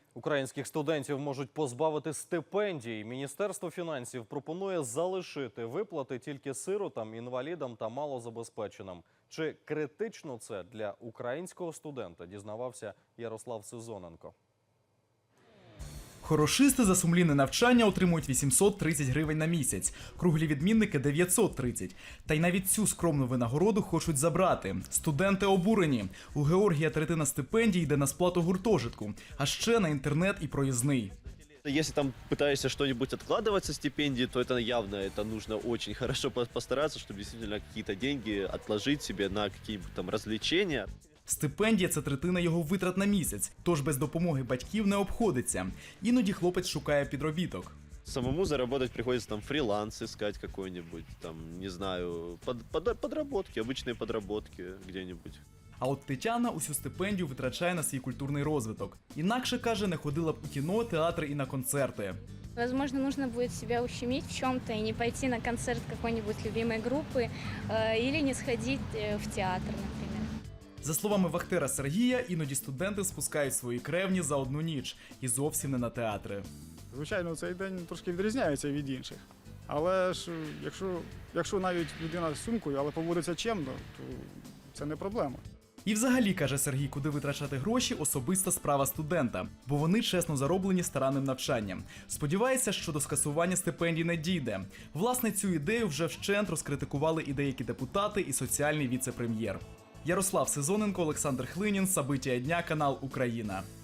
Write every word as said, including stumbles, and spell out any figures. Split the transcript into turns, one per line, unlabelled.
Українських студентів можуть позбавити стипендій. Міністерство фінансів пропонує залишити виплати тільки сиротам, інвалідам та малозабезпеченим. Чи критично це для українського студента, дізнавався Ярослав Сезоненко.
Хорошисти за сумлінне навчання отримують вісімсот тридцять гривень на місяць, круглі відмінники – дев'ятсот тридцять. Та й навіть цю скромну винагороду хочуть забрати. Студенти обурені. У Георгія третина стипендій йде на сплату гуртожитку, а ще на інтернет і проїзний.
Если там пытаешься что-нибудь откладывать со стипендии, то это явно, это нужно очень хорошо постараться, чтобы действительно какие-то деньги отложить себе на какие-нибудь там развлечения.
Стипендія – це третина його витрат на місяць, тож без допомоги батьків не обходиться. Іноді хлопець шукає підробіток.
Самому заработать приходится там фриланс искать какой-нибудь, там, не знаю, под, под, подработки, обычные подработки где-нибудь.
А от Тетяна усю стипендію витрачає на свій культурний розвиток. Інакше, каже, не ходила б у кіно, театри і на концерти.
Возможно, нужно будет себя ущемить в чем-то и не пойти на концерт какой-нибудь любимой группы э, или не сходить э, в театр, например.
За словами вахтера Сергія, іноді студенти спускають свої кревні за одну ніч і зовсім не на театри.
Звичайно, цей день трошки відрізняється від інших. Але ж якщо, якщо навіть людина з сумкою, але поводиться чемно, то це не проблема.
І взагалі, каже Сергій, куди витрачати гроші – особиста справа студента, бо вони чесно зароблені старанним навчанням. Сподівається, що до скасування стипендій не дійде. Власне, цю ідею вже вщент розкритикували і деякі депутати, і соціальний віце-прем'єр. Ярослав Сезоненко, Олександр Хлинін, Сабиття дня, канал Україна.